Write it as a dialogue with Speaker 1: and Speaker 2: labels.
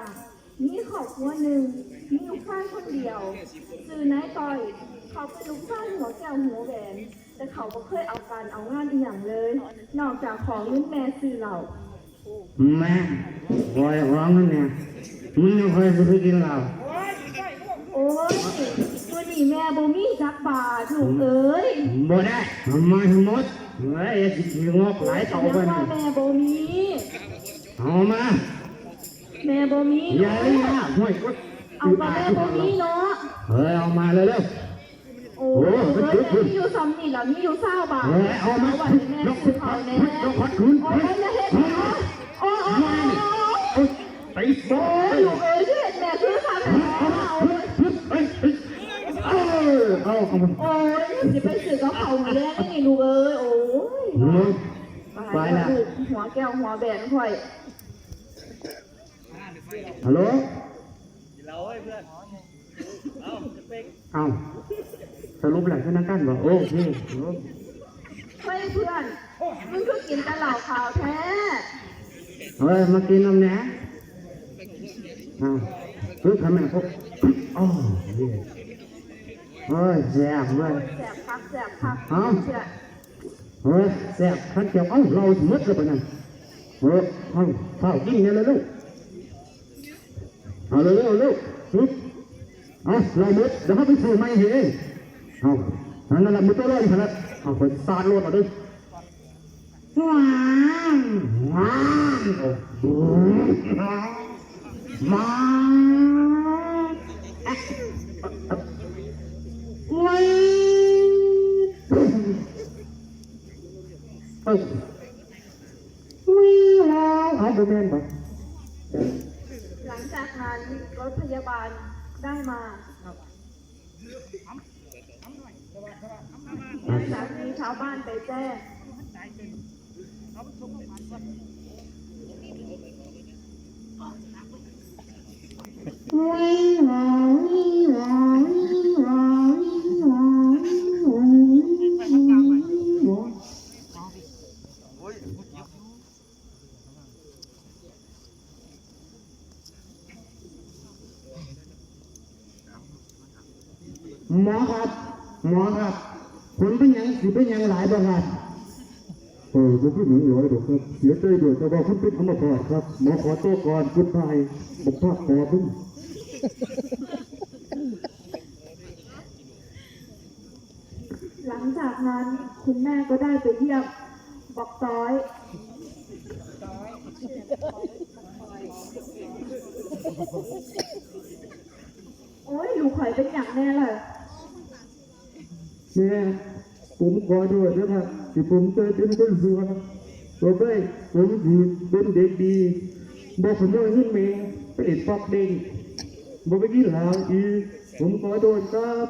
Speaker 1: จ้ะมีครอบครัวหนึ่งมีลูกชายคนเดียวชื่อนายต้อยเขาเป็นลูกชายหัวแก้วหัวแหวนแต่เขาก็เคยเอาการเอางานอีหยังเลยนอกจากของเงินแม่ซื้อเหล้า
Speaker 2: แม่คอยร้องนั่นเนี่ยมึงยังคอยจะไปกินเหล้า
Speaker 1: โอ้ยตัวนี้แม่บ่มีจักบาทลูกเอ้ย
Speaker 2: บ่ได้ทำไมทั้งหมดเฮ้ยสิงอกหลายเท่าไปนี่
Speaker 1: แม่บ่มี
Speaker 2: เอามา
Speaker 1: แม่บ่มี
Speaker 2: อย่าเลยนะห่วยก็
Speaker 1: เอามาแม่บ่มีเนาะ
Speaker 2: เฮ้ยเอามาเลยเร็ว
Speaker 1: โอ้ยแม่มีอยู่ซ้ำนี่ล่ะมีอยู่20 บาท
Speaker 2: เอามา
Speaker 1: วันนี้แม่ซื้อเขาแน่
Speaker 2: ยกขอดคืน
Speaker 1: โอ้ยจะเฮ็ดโอ้ย
Speaker 2: ไปโซ่
Speaker 1: ลูกเอ้ยที่เห็นแม่ซื้อเขาแน่
Speaker 2: เอา
Speaker 1: โอ้ยจะไปซื้อกับเขามาแล้วนี่ลูกเอ้ยโอ้ย
Speaker 2: ไปละ
Speaker 1: หัวแก้วหัวแบนค่อย
Speaker 2: ฮัลโหล
Speaker 3: เราให้เพื่อน
Speaker 2: เอาสรุปหลังชนะกันบอกโอเค
Speaker 1: เฮ้ยเพื่อนมึงก็กินแต่เหล้าขาวแท้
Speaker 2: เฮ้ยมากินน้ำแหนซื้อทำไมพวกโอ้ยเฮ้ยแสบเว้ย
Speaker 1: แสบพักเ
Speaker 2: ฮ้ยแสบขันเกี่ยวเราหมดเลยปะนั่นเฮ้ยข้าวกินเนี่ยเลยลูกเอาเร็วเราหมดเดี๋ยวเขาไปซื้อไม่เห็นนั่นแหละมือตัวร้อนขนาดไปสาดรถมาดิว้าวมาไม่แล้วเอาดูแม่นปะ
Speaker 1: หลังจากนั้นรถพยาบาลได้มาหลังจากนี้ชาวบ้านไปแจ้ง
Speaker 2: หมอครับคุณเป็นยังสิเป็นยังหลายบ้างครับ
Speaker 4: ผมไม่หนีร้อยหรอกครับเสียใจด้วยแต่ว่าคุณเป็นอัมพาตครับหมอขอตัวก่อนคุณตายผมพลาดคอพึ่ง
Speaker 1: หลังจากนั้นคุณแม่ก็ได้ไปเยี่ยมบอกต้อยโอ้ยลูกข่อยเป็นอย่างแน่เลย
Speaker 4: แม่ผมขอด้วยนะครับที่ผมเคยเป็นคนสัวต่อไปผมถือเป็นเด็กดีบอกผมว่าขึ้นเมย์ไปเด็ดปอกเด้งบอกไปกินเหล้าอีผมขอโดนครับ